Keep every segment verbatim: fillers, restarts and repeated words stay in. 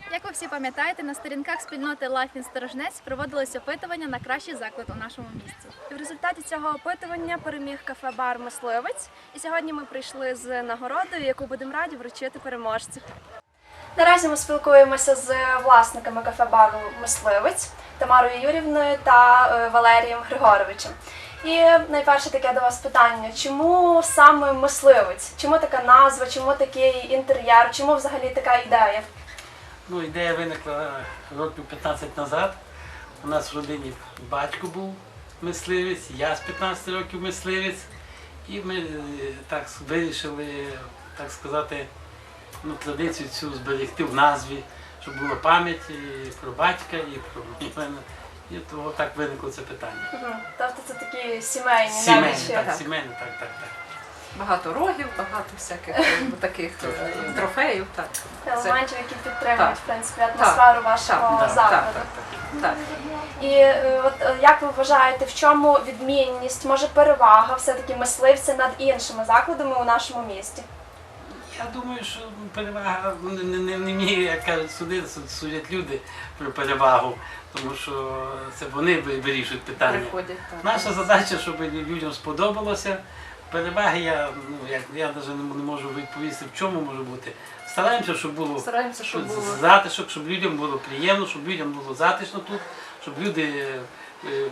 Як ви всі пам'ятаєте, на сторінках спільноти Life in Сторожнець проводилось опитування на кращий заклад у нашому місті. В результаті цього опитування переміг кафе-бар «Мисливець». І сьогодні ми прийшли з нагородою, яку будемо раді вручити переможцю. Наразі ми спілкуємося з власниками кафе-бару «Мисливець» Тамарою Юрівною та Валерієм Григоровичем. І найперше таке до вас питання: чому саме «Мисливець»? Чому така назва, чому такий інтер'єр, чому взагалі така ідея? Ну, ідея виникла років п'ятнадцять назад. У нас в родині батько був мисливець, я з п'ятнадцяти років мисливець. І ми так вирішили, так сказати, ну, традицію цю зберегти в назві, щоб була пам'ять і про батька, і про мене. І того так виникло це питання. Угу. Тобто це такі сімейні, Сімейні, навички. так, так. сімейні, так, так, так. Багато рогів, багато всяких таких е, трофеїв. Так. Елементів, які підтримують, в принципі, Так. атмосферу вашого Так, закладу. Так, так, так, так. І е, от е, як ви вважаєте, в чому відмінність, може перевага все-таки мисливця над іншими закладами у нашому місті? Я думаю, що перевага не, не, не мені, як кажуть, судити, судять люди про перевагу, тому що це вони вирішують питання. Приходять, так. Наша задача, щоб людям сподобалося. Переваги я, ну, як, я навіть не, не можу відповісти, в чому може бути. Стараємося, щоб було Стараємося, щоб було затишок, щоб людям було приємно, щоб людям було затишно тут, щоб люди е,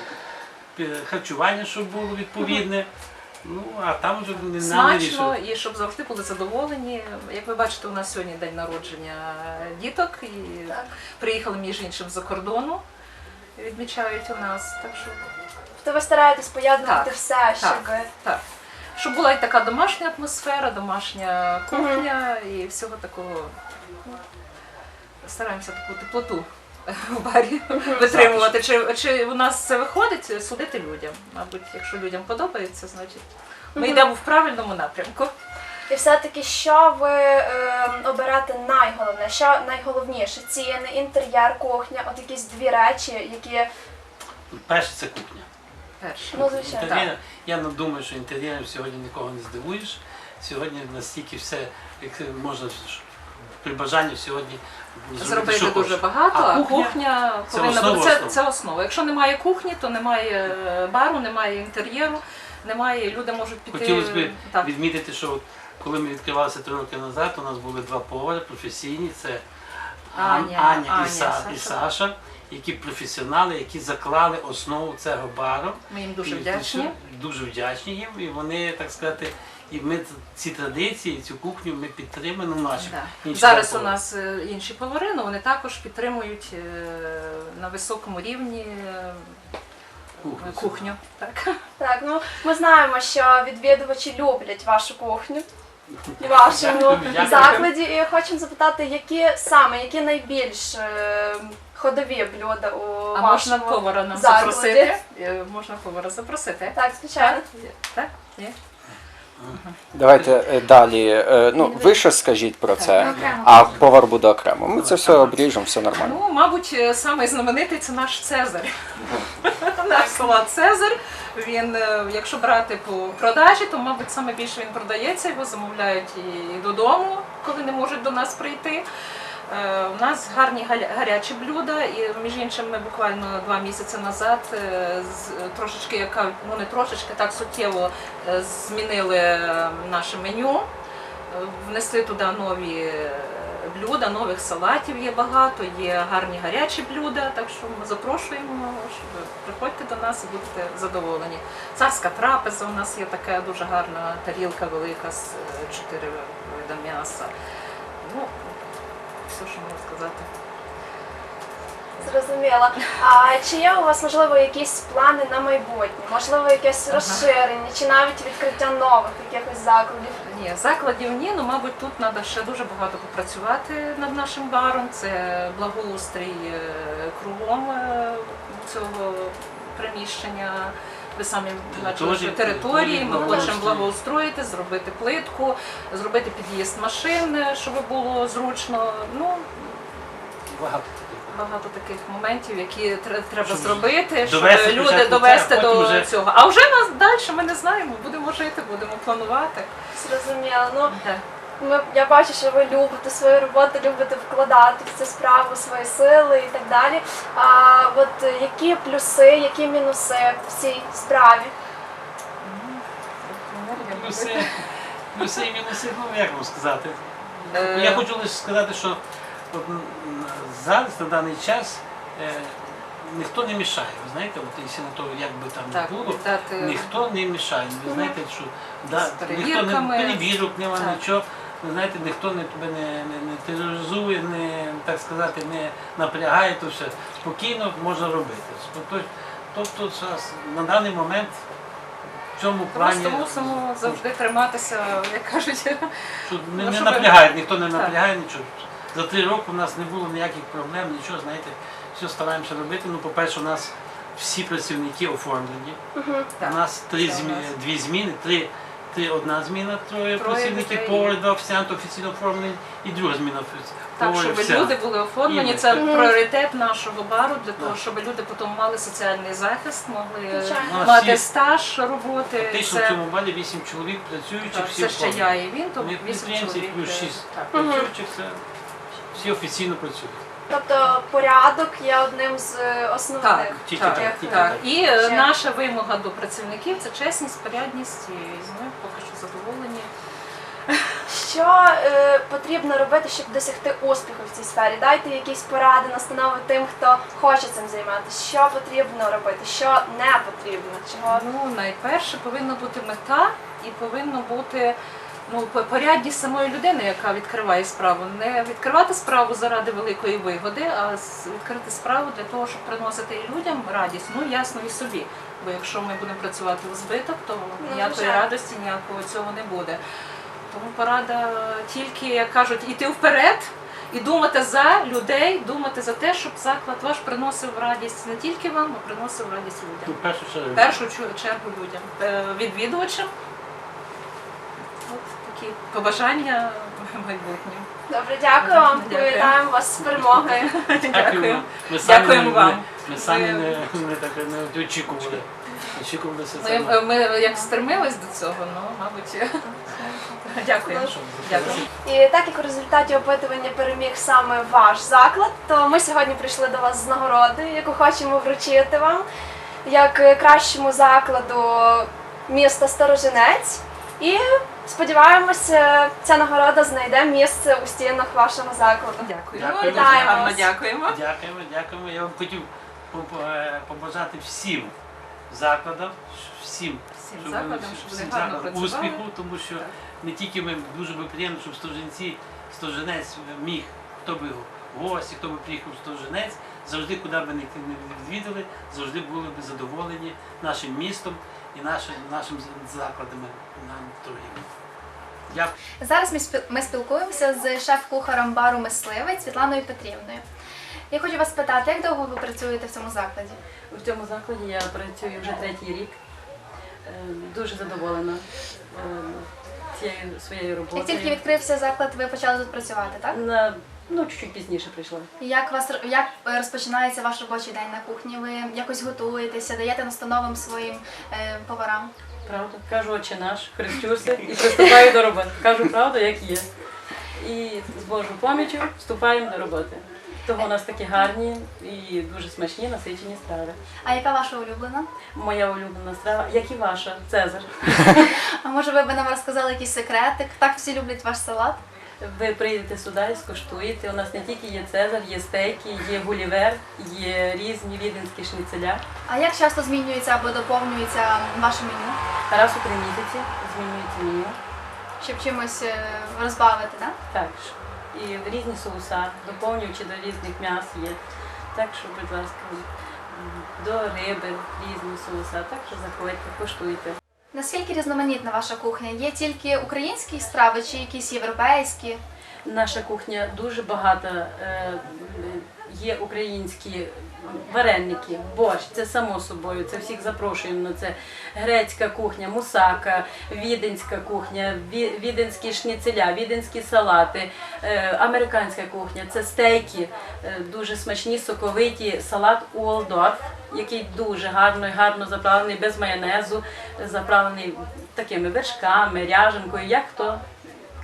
е, харчування щоб було відповідне. Ну, а там вже не нам смачно вирішувати. і щоб завжди були задоволені. Як ви бачите, у нас сьогодні день народження діток і Так. приїхали, між іншим, з-за кордону, відмічають у нас. Так що, Тобто ви стараєтесь поєднувати Так, все, щоб... так, так. Щоб була і така домашня атмосфера, домашня кухня і всього такого. Ну, стараємося таку теплоту в барі витримувати. Чи, чи у нас це виходить, судити людям. Мабуть, якщо людям подобається, значить ми йдемо в правильному напрямку. І все-таки, що ви е, оберете найголовніше, що найголовніше? Ціни, інтер'єр, кухня, от якісь дві речі, які... Перше це кухня. Перше. Ну, звичайно. Інтер'єр, я не думаю, що інтер'єром сьогодні нікого не здивуєш. Сьогодні настільки все, як можна при бажанні сьогодні Зробити що дуже хочеш. багато, а кухня, кухня це повинна основа бути. Це, основ. це основа. Якщо немає кухні, то немає бару, немає інтер'єру, немає, люди можуть піти. Хотілося б Так. відмітити, що от коли ми відкривалися три роки назад, у нас були два повари професійні, це Ан- Аня, Аня, Аня, і, Са, і Саша. Саша, які професіонали, які заклали основу цього бару. Ми їм дуже І вдячні. Дуже вдячні їм, і вони, так сказати, і ми ці традиції, цю кухню ми підтримуємо наші. Да. інші Зараз у повари. нас е, інші повари, але вони також підтримують е, на високому рівні е, Кухню. кухню. Так. Так, ну, ми знаємо, що відвідувачі люблять вашу кухню і вашому Дякую, дякую. закладі. І хочемо запитати, які саме, які найбільш е, ходові блюда у А вашому можна повара нам закладі? запросити? Е, Можна повара запросити. Так, звичайно. Так? Ні? Давайте е, далі. Е, Ну, ви щось скажіть про це, а повар буде окремо. Ми це все обріжемо, все нормально. Ну, мабуть, е, самий знаменитий це наш Цезарь. Наш салат Цезарь. Він, е, якщо брати по продажі, то, мабуть, саме більше він продається, його замовляють і додому, коли не можуть до нас прийти. Е, У нас гарні галя- гарячі блюда, і між іншим ми буквально два місяці назад е, з- трошечки, яка ну не трошечки, так суттєво е, змінили е, наше меню, е, внесли туди нові е, блюда, нових салатів є багато, є гарні гарячі блюда, так що ми запрошуємо, щоб приходьте до нас і будете задоволені. Царська трапеза у нас є така дуже гарна тарілка велика з е, чотири вида м'яса. Ну, все, що можу сказати. Зрозуміло. А чи є у вас, можливо, якісь плани на майбутнє? Можливо, якесь Ага. розширення, чи навіть відкриття нових якихось закладів? Ні, закладів ні, ну, мабуть, тут треба ще дуже багато попрацювати над нашим баром. Це благоустрій е, кругом е, цього приміщення. Ви самі бачили, що території, ми хочемо благоустроїти, зробити плитку, зробити під'їзд машин, щоб було зручно. Ну, Багато таких. багато таких моментів, які тре- треба Щоб зробити, щоб довести люди спочатку довести це, а потім до вже- цього. А вже нас далі ми не знаємо, будемо жити, будемо планувати. Зрозуміло. Ну, Так. Ми, я бачу, що ви любите свою роботу, любите вкладати в цю справу свої сили і так далі. А от які плюси, які мінуси в цій справі? Плюси, плюси і мінуси, ну як вам сказати. Е, Я хочу лише сказати, що от, м, зараз, на даний час, е, ніхто не мішає. Ви знаєте, от, якщо на то, як би там Так, не було, дати- ніхто не мішає. Ви знаєте, що да, З ніхто не перевірками. перевірок, нема Так. нічого. Ви знаєте, ніхто не тебе не, не, не тероризує, не, так сказати, не напрягає, то все. Спокійно можна робити. Тобто, тобто зараз, на даний момент в цьому плані. Просто мусимо завжди триматися, як кажуть. Що не, Ну, не щоб- напрягають, ніхто не Так. напрягає нічого. За три роки у нас не було ніяких проблем, нічого, знаєте, все стараємося робити. Ну, по-перше, у нас всі працівники оформлені. Так, У нас три все у змі... нас. дві зміни, три, три одна зміна, троє, Троє працівників, людей. повар, два офіціанти офіційно оформлені, і друга зміна офіці- Так, повар, щоб вся. люди були оформлені, І- це пріоритет нашого бару, для того, Так. щоб люди потім мали соціальний захист, могли Звичайно. У нас мати всі- стаж роботи. Фактично в Це, цьому балі вісім чоловік працюючих, так, всі це ще оформлені. я і він, то Ми вісім підприємці чоловік. плюс е, шість так. працюючих, це всі офіційно працюють. Тобто порядок є одним з е, основних. Так, Тільки так, так, тільки так. так. І е, Ще. наша вимога до працівників це чесність, порядність, і ми поки що задоволені. Що е, потрібно робити, щоб досягти успіху в цій сфері? Дайте якісь поради, настанови тим, хто хоче цим займатися. Що потрібно робити, що не потрібно, чого Ну, найперше повинна бути мета і повинно бути ну, по- порядність самої людини, яка відкриває справу. Не відкривати справу заради великої вигоди, а с- відкрити справу для того, щоб приносити і людям радість, ну ясно, і собі. Бо якщо ми будемо працювати в збиток, то ніякої звичайно. радості, ніякого цього не буде. Тому порада тільки, як кажуть, іти вперед і думати за людей, думати за те, щоб заклад ваш приносив радість не тільки вам, а приносив радість Ну, людям. в першу чергу. В першу чу- чергу людям, Е, відвідувачам. От такі побажання майбутнім. добре, дякую вам. Дякую. Вітаємо вас з перемогою. Дякую. Ми самі Дякуємо не- вам. Ми самі Ви- не, не, так, не очікували. Очікували все Ми, це. ми як стремились до цього, ну, мабуть. Дякую. Дякую. І так як у результаті опитування переміг саме ваш заклад, то ми сьогодні прийшли до вас з нагородою, яку хочемо вручити вам як кращому закладу міста Сторожинець. І сподіваємося, ця нагорода знайде місце у стінах вашого закладу. Дякую. Дякую. Дуже Вітаємо гарно вас. дякуємо. Дякуємо, дякуємо. Я вам хотів по- е, побажати всім закладам, всім, Всім щоб закладам, вони- щоб всім вони гарно закладам працювали. успіху, тому що Так. не тільки ми дуже би приємно, щоб Сторожинці, Сторожинець міг, хто би гості, хто би приїхав в Сторожинець, завжди, куди б не не відвідали, завжди були б задоволені нашим містом і нашим, нашим закладами на торгівлі. Дякую. Зараз ми спіл- ми спілкуємося з шеф-кухарем бару Мисливець Світланою Петрівною. Я хочу вас питати, як довго ви працюєте в цьому закладі? В цьому закладі я працюю вже третій рік. Е, Дуже задоволена е, цією своєю роботою. Як тільки відкрився заклад, ви почали тут працювати, так? На, ну, чуть-чуть пізніше прийшла. І Як вас як е, розпочинається ваш робочий день на кухні? Ви якось готуєтеся, даєте настановам своїм е, поварам? Правда? Кажу, отче наш, хрещуся і приступаю до роботи. Кажу правду, як є. І з Божою поміччю вступаємо до роботи. Того у нас такі гарні і дуже смачні насичені страви. А яка ваша улюблена? Моя улюблена страва, як і ваша, Цезар. А може ви б нам розказали якийсь секретик? Так всі люблять ваш салат? Ви прийдете сюди і скуштуєте. У нас не тільки є Цезар, є стейки, є гулівер, є різні віденські шніцеля. А як часто змінюється або доповнюється ваше меню? Раз у три місяці змінюється меню. Щоб чимось е, розбавити, так? Так, ж. І різні соуса, доповнюючи до різних м'яс є. Так що, будь ласка, до риби різні соуса. Так що заходьте, коштуйте. Наскільки різноманітна ваша кухня? Є тільки українські страви чи якісь європейські? Наша кухня дуже багата. е, Є українські вареники, борщ, це само собою, це всіх запрошуємо на це. Грецька кухня, мусака, віденська кухня, ві- віденські шніцеля, віденські салати, е, американська кухня, це стейки, е, дуже смачні, соковиті, салат Уолдорф, який дуже гарно, гарно заправлений, без майонезу, заправлений такими вершками, ряженкою, як хто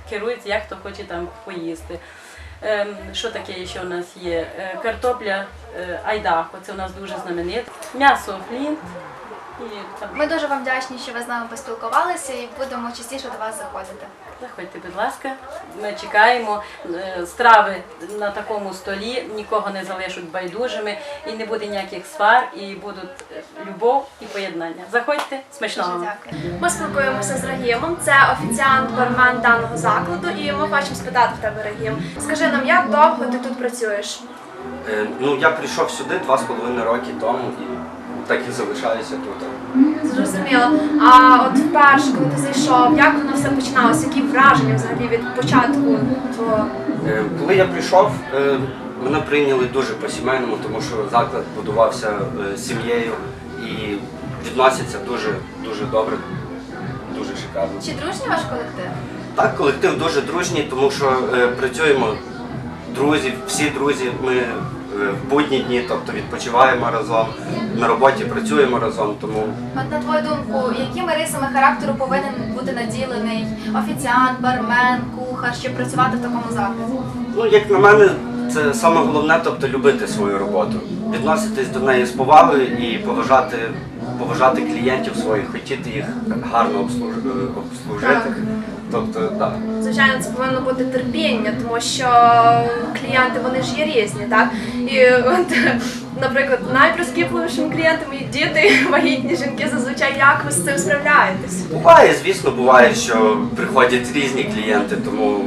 керується, як хто хоче там поїсти. Ем, Що таке ще у нас є? Е, Картопля е, айдахо, це у нас дуже знаменит. М'ясо флінт. І там Ми дуже вам вдячні, що ви з нами поспілкувалися і будемо частіше до вас заходити. заходьте, будь ласка. Ми чекаємо. Е, Страви на такому столі нікого не залишать байдужими, і не буде ніяких свар, і будуть е, любов і поєднання. Заходьте, смачного Дуже вам. дякую. Ми спілкуємося з Рагімом, це офіціант-бармен даного закладу, і ми хочемо спитати в тебе, Рагім. Скажи нам, як довго ти тут працюєш? Е, Ну, я прийшов сюди два з половиною роки тому і так і залишаюся тут. Зрозуміло. А от вперше, коли ти зайшов, як воно все починалося? Які враження взагалі від початку твого? Е, Коли я прийшов, е, мене прийняли дуже по-сімейному, тому що заклад будувався е, сім'єю і відносяться дуже, дуже добре, дуже шикарно. Чи дружній ваш колектив? Так, колектив дуже дружній, тому що е, працюємо друзі, всі друзі, ми е, в будні дні, тобто відпочиваємо разом, на роботі працюємо разом, тому От на твою думку, якими рисами характеру повинен бути наділений офіціант, бармен, кухар, щоб працювати в такому закладі? ну, як на мене, це саме головне, тобто любити свою роботу, відноситись до неї з повагою і поважати, поважати клієнтів своїх, хотіти їх гарно обслуж- обслужити. Так. Тобто, так. Звичайно, це повинно бути терпіння, тому що клієнти вони ж є різні, так? І от, наприклад, найприскіпливішим клієнтом є діти, вагітні жінки. Зазвичай як ви з цим справляєтесь? Буває, звісно, буває, що приходять різні клієнти, тому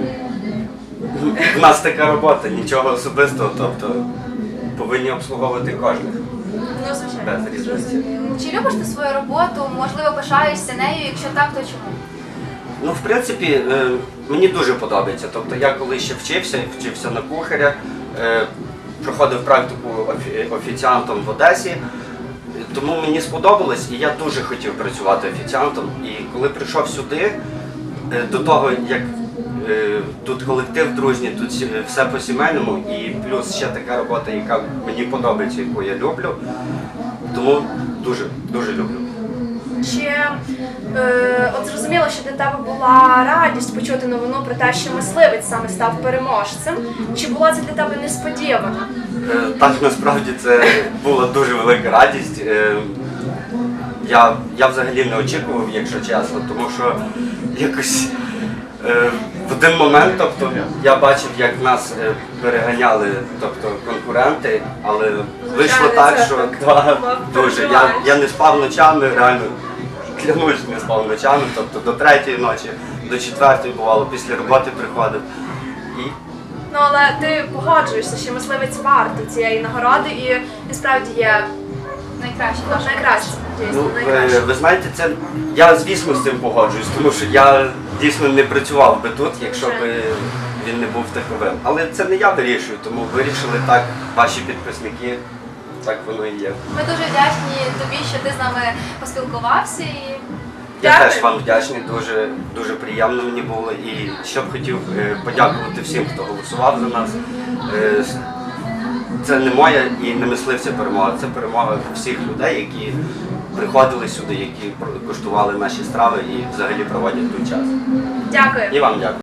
в нас така робота, нічого особистого, тобто повинні обслуговувати кожних. Ну, звичайно. Без різниці. Чи любиш ти свою роботу? Можливо, пишаєшся нею? Якщо так, то чому? Ну, в принципі, е, мені дуже подобається. Тобто я коли ще вчився, вчився на кухаря, е, проходив практику офі- офіціантом в Одесі, е, тому мені сподобалось і я дуже хотів працювати офіціантом. І коли прийшов сюди, е, до того, як е, тут колектив дружній, тут сі- все по-сімейному і плюс ще така робота, яка мені подобається, яку я люблю, тому дуже, дуже люблю. Чи е, от зрозуміло, що для тебе була радість почути новину про те, що мисливець саме став переможцем? Чи була це для тебе несподівано? Е, Так, насправді це була дуже велика радість. Е, Я, я взагалі не очікував, якщо чесно, тому що якось е, в один момент, тобто, я бачив, як нас е, переганяли, тобто, конкуренти, але вийшло так, це що так да, дуже. Я, переживаєш. я не спав ночами, реально, клянусь, не спав ночами, тобто до третьої ночі, до четвертої бувало, після роботи приходив. І Ну але ти погоджуєшся, що мисливець вартий цієї нагороди і насправді є Найкраще наше. найкраще. Дійсно, Ну, найкраще. ви, ви знаєте, це я звісно з цим погоджуюсь, тому що я дійсно не працював би тут, якщо б він не був тиховим. Але це не я вирішую, тому вирішили так ваші підписники, так воно і є. Ми дуже вдячні тобі, що ти з нами поспілкувався. І Я Дякую. теж вам вдячний, дуже, дуже приємно мені було. І ще б хотів е, подякувати всім, хто голосував за нас. Е, с- Це не моя і не мисливця перемога, це перемога всіх людей, які приходили сюди, які про- куштували наші страви і взагалі проводять тут час. Дякую. І вам дякую.